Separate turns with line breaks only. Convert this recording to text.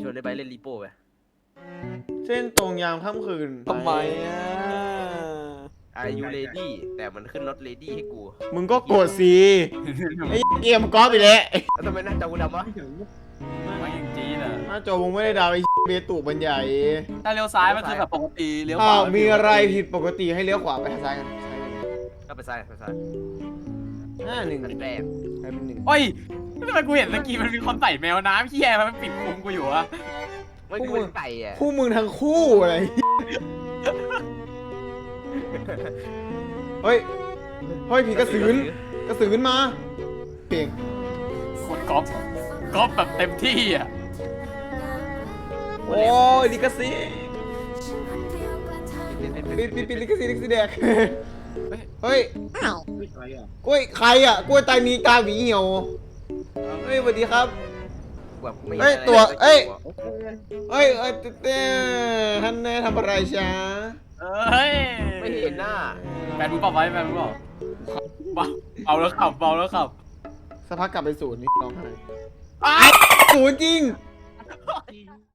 วนในใบเล่นรีโป้ไป
เส้นตรงยามค่ำคืน
ทำไมอ่ะ
Are you ready แต่มันขึ้นรถ ready ให้กู
มึงก็กดสิไอ้เกมกอล์ฟไปแล้ว
แล้วทำไมหน้าจอกูดำวะ
ไม่จริงจีนอ่ะ
หน้าจอมึงไม่ได้ดาวไอ้เบตุบันใหญ่
ถ้าเลี้ยวซ้ายมันคือแบบปกติเลี้ยวข
อ้าว
วา
มีอะไรผิดปกติให้เลี้ยวขวาไปทางซ้ายกันซ้ายกัน
ก็ไปซ้ายไปซ้าย
1
อันแรก
ใครเป็น
โอ้ยทำไมกูเห็นเมื่อกี้มันมีคนใส่แมวน้ำเหี้ยมันปิดคุมกูอยู่อะ
ไม่กูเป็นไก่อะ
คู่มึงทั้งคู่อะไรเฮ้ยผีกระสืนมาเก่ง
คุณก๊อฟแบบเต็มที่อ่ะ
โอ้ยลิกาซีปิดลิกาซีแดกเฮ้ยกล้วยใครอ่ะกล้วยตายมีกาหวีเหี่ยวเฮ้ยสวัสดีครับ
แบบไม่
เฮ้ยตัวเอ้ยท่านแน่ทำอะไรช้า
เฮ้ย
ไม่เห็นหน้า
แมนรู้เปล่าไว้แมนรู้เปล่าเบาแล้วขับ
สักพักกลับไปศูนย์นี่ร้องไห้
อ้า
ศูนย์จริง